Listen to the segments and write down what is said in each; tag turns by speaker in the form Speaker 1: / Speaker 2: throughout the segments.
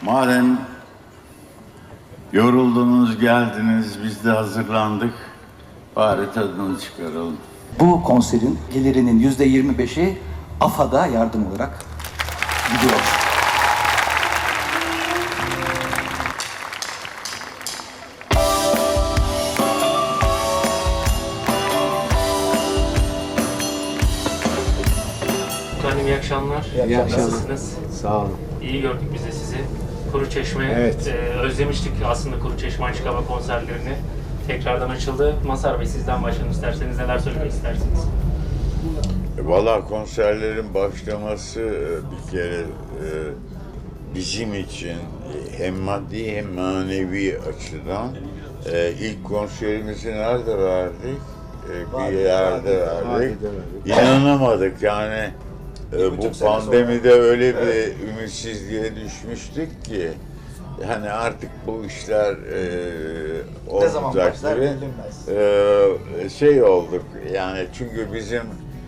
Speaker 1: Madem yoruldunuz, geldiniz, biz de hazırlandık. Bari tadını çıkaralım.
Speaker 2: Bu konserin gelirinin %25'i AFAD'a yardım olarak gidiyor.
Speaker 3: Efendim iyi akşamlar.
Speaker 4: İyi akşamlar.
Speaker 3: Nasılsınız?
Speaker 4: Sağ olun.
Speaker 3: İyi gördük biz de sizi. Kuruçeşme,
Speaker 4: Evet.
Speaker 3: Özlemiştik aslında Kuruçeşme Açık Hava konserlerini. Tekrardan açıldı. Mazhar Bey sizden başlayalım isterseniz. Neler söylemek istersiniz?
Speaker 1: Valla konserlerin başlaması bir kere bizim için hem maddi hem manevi açıdan ilk konserimizi nerede verdik? Bir yerde verdik. İnanamadık yani. Bu pandemide öyle bir ümitsizliğe düşmüştük ki hani artık bu işler olmayacak gibi şey olduk yani çünkü bizim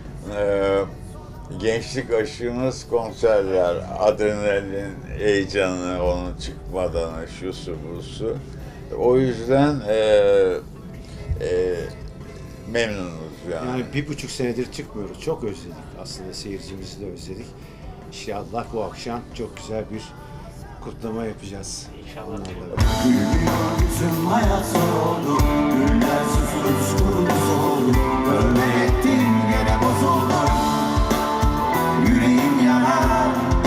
Speaker 1: gençlik aşığımız konserler, adrenalin heyecanı, onun çıkmadanı, şusu busu. O yüzden memnunuz yani.
Speaker 4: Yani 1,5 senedir çıkmıyoruz. Çok özledik aslında, seyircimizi de özledik. İnşallah bu akşam çok güzel bir kutlama yapacağız.
Speaker 3: İnşallah.
Speaker 4: Onlarla.
Speaker 5: Tüm hayat zor oldu, günler susuz oldu. Ölme ettin gene bozuldu. Yüreğim yanar,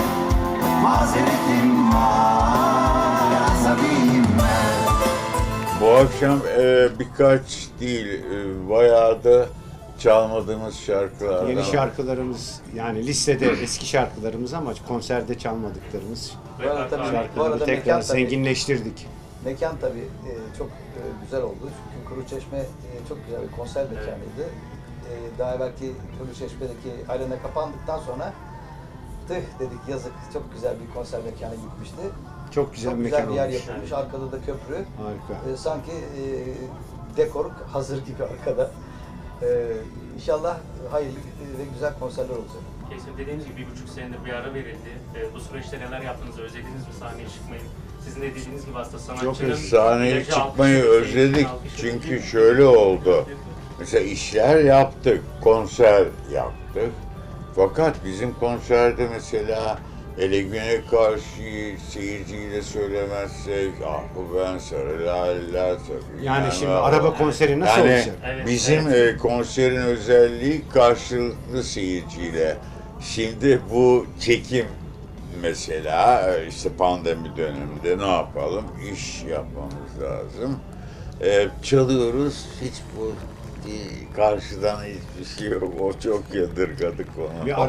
Speaker 5: mazeretim var, asabiyim ben.
Speaker 1: Bu akşam birkaç değil, bayağı da çalmadığımız şarkılardan.
Speaker 4: Yeni şarkılarımız, yani listede eski şarkılarımız ama konserde çalmadıklarımız
Speaker 3: Bu arada tabii
Speaker 4: şarkıları tekrar zenginleştirdik.
Speaker 6: Mekan tabii çok güzel oldu. Çünkü Kuruçeşme çok güzel bir konser mekanıydı. Daha evvelki Kuruçeşme'deki arena kapandıktan sonra dedik yazık, çok güzel bir konser mekanı gitmişti.
Speaker 4: Çok güzel
Speaker 6: Çok
Speaker 4: bir
Speaker 6: güzel
Speaker 4: mekan
Speaker 6: bir yer
Speaker 4: olmuş.
Speaker 6: yapılmış. Arkada da köprü.
Speaker 4: Harika.
Speaker 6: Sanki dekor hazır gibi arkada. İnşallah hayırlı ve güzel konserler olacak.
Speaker 3: Kesin dediğiniz gibi 1,5 senedir bir ara verildi. Bu süreçte neler yaptınız? Özlediniz mi sahneye çıkmayı? Sizin de dediğiniz gibi aslında sanatçının
Speaker 1: Sahneye
Speaker 3: ilacı
Speaker 1: çıkmayı
Speaker 3: alkışı,
Speaker 1: özledik
Speaker 3: seyircinin alkışı.
Speaker 1: çünkü şöyle oldu. Mesela işler yaptık, konser yaptık. Fakat bizim konserde mesela Ele Güne Karşı seyirciyle söylemezsek ah bu ben sarı laleler takıyorum.
Speaker 4: Yani şimdi araba konseri nasıl
Speaker 1: yani
Speaker 4: olacak?
Speaker 3: Evet,
Speaker 1: bizim konserin özelliği karşılıklı seyirciyle. Şimdi bu çekim mesela işte pandemi döneminde ne yapalım? İş yapmamız lazım. Çalıyoruz, hiç bu karşıdan hiçbir şey yok. O çok yadırgadık onu.
Speaker 4: Bir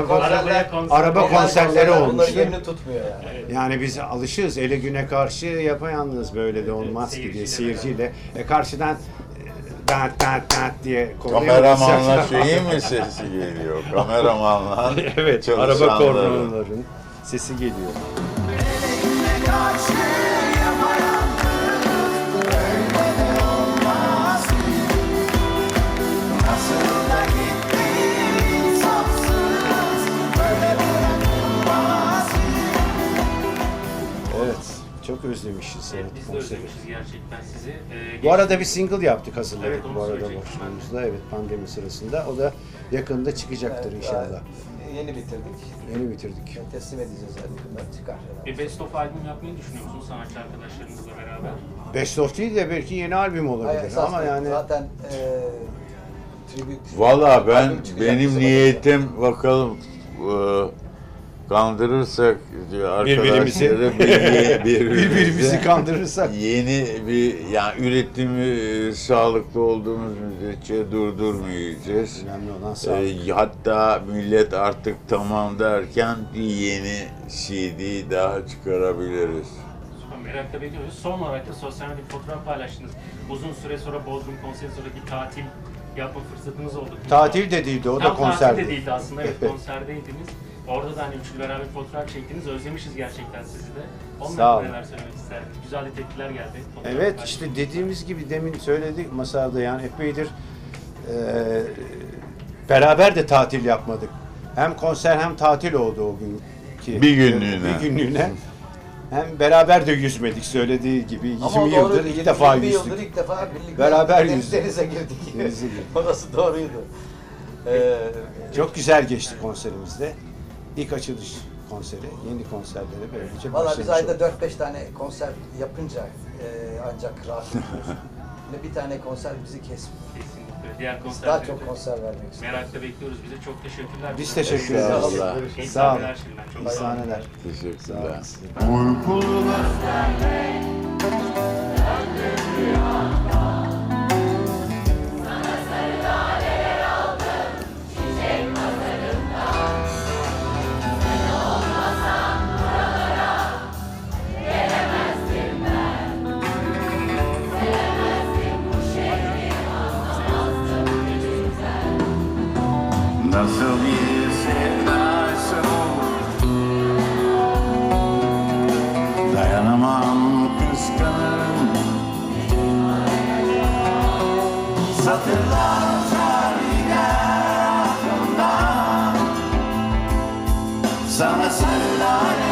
Speaker 3: Araba
Speaker 4: konserleri olmuştu.
Speaker 6: Bunların yerini tutmuyor yani.
Speaker 4: Yani biz alışığız. Ele güne karşı yapayalnız, böyle de olmaz ki diye seyirciyle. Karşıdan dat diye
Speaker 1: Kameramanla şeyin mi sesi geliyor? Kameramanla
Speaker 4: evet, araba
Speaker 1: çalışanların.
Speaker 4: kornaların sesi geliyor.
Speaker 5: Eline karşı yapayalnız, öyle de olmaz ki. Nasıl da gitti insafsız, böyle bırakılmaz ki.
Speaker 4: Evet, çok özlemişiz
Speaker 3: Evet,
Speaker 4: evet,
Speaker 3: biz de
Speaker 4: konseri.
Speaker 3: özlemişiz gerçekten sizi.
Speaker 4: Bu arada bir single yaptık, hazırladık
Speaker 3: Evet, onu
Speaker 4: bu arada
Speaker 3: söyleyecektim
Speaker 4: boşluğumuzda. Evet, pandemi sırasında. O da yakında çıkacaktır
Speaker 6: Evet,
Speaker 4: inşallah.
Speaker 6: Yeni bitirdik.
Speaker 4: Yeni bitirdik.
Speaker 6: Teslim edeceğiz yakında, çıkar.
Speaker 3: Bir best of albüm yapmayı düşünüyor musunuz sanatçı arkadaşlarınızla beraber?
Speaker 4: Best of değil de belki yeni albüm olabilir
Speaker 6: Hayır,
Speaker 4: ama yani
Speaker 6: zaten tribute.
Speaker 1: Valla ben
Speaker 6: albüm çıkacak
Speaker 1: benim
Speaker 6: bizim
Speaker 1: niyetim bakalım kandırırsak
Speaker 4: Birbirimizi-
Speaker 1: arkadaşları
Speaker 4: birbirimizi kandırırsak.
Speaker 1: yeni bir yani üretimi sağlıklı olduğumuz müddetçe durdurmayacağız.
Speaker 4: Önemli olan sağlık.
Speaker 1: Hatta millet artık tamam derken bir yeni CD daha çıkarabiliriz.
Speaker 3: Merak da ediyoruz. Son olarak da sosyal medya fotoğraf paylaştınız. Uzun süre sonra Bodrum konseri sonra bir tatil yapma fırsatınız oldu.
Speaker 4: Tatil de değildi, o da
Speaker 3: Tam
Speaker 4: konserdi.
Speaker 3: tatil de değildi aslında, evet konserdeydiniz. Orada da hani üçlü beraber fotoğraf çektiniz. Özlemişiz gerçekten sizi de.
Speaker 4: Sağ
Speaker 3: Ondan
Speaker 4: olun.
Speaker 3: neler söylemek isterdik? Güzel de tepkiler geldi. Fotoğraf
Speaker 4: Evet,
Speaker 3: paylaştınız.
Speaker 4: işte dediğimiz gibi demin söyledik masada, yani epeydir beraber de tatil yapmadık. Hem konser hem tatil oldu o gün.
Speaker 1: Bir günlüğüne.
Speaker 4: Bir günlüğüne. Hem beraber de yüzmedik söylediği gibi. 20
Speaker 6: Ama
Speaker 4: yıldır
Speaker 6: doğru,
Speaker 4: ilk defa
Speaker 6: 20
Speaker 4: yüzdük.
Speaker 6: yıldır ilk defa birlikte
Speaker 4: Beraber yüzdük.
Speaker 6: denize girdik.
Speaker 4: Denize girdik.
Speaker 6: Orası doğruydu.
Speaker 4: Çok güzel geçti konserimizde. İlk açılış konseri, yeni konserlere böylece
Speaker 6: Valla
Speaker 4: başlamış
Speaker 6: biz ayda
Speaker 4: olduk.
Speaker 6: 4-5 tane konser yapınca ancak rahat ediyoruz. Ve bir tane konser bizi kesmiyor.
Speaker 3: Kesinlikle. Diğer
Speaker 6: Daha
Speaker 3: konserlerde
Speaker 6: çok konser vermek istiyoruz.
Speaker 3: merakla bekliyoruz. Bize çok teşekkürler.
Speaker 4: Biz teşekkür
Speaker 1: Sağ
Speaker 4: ederiz.
Speaker 1: olun.
Speaker 3: İyi
Speaker 4: Sağ olun.
Speaker 3: sahneler şimdiden. Çok
Speaker 4: İyi
Speaker 3: sağ olun.
Speaker 4: sahneler.
Speaker 1: Teşekkürler.
Speaker 5: Nasıl bir sevdaysa o, dayanamam kıskanırım. Satırlar uçar gider aklımdan, sana sarılar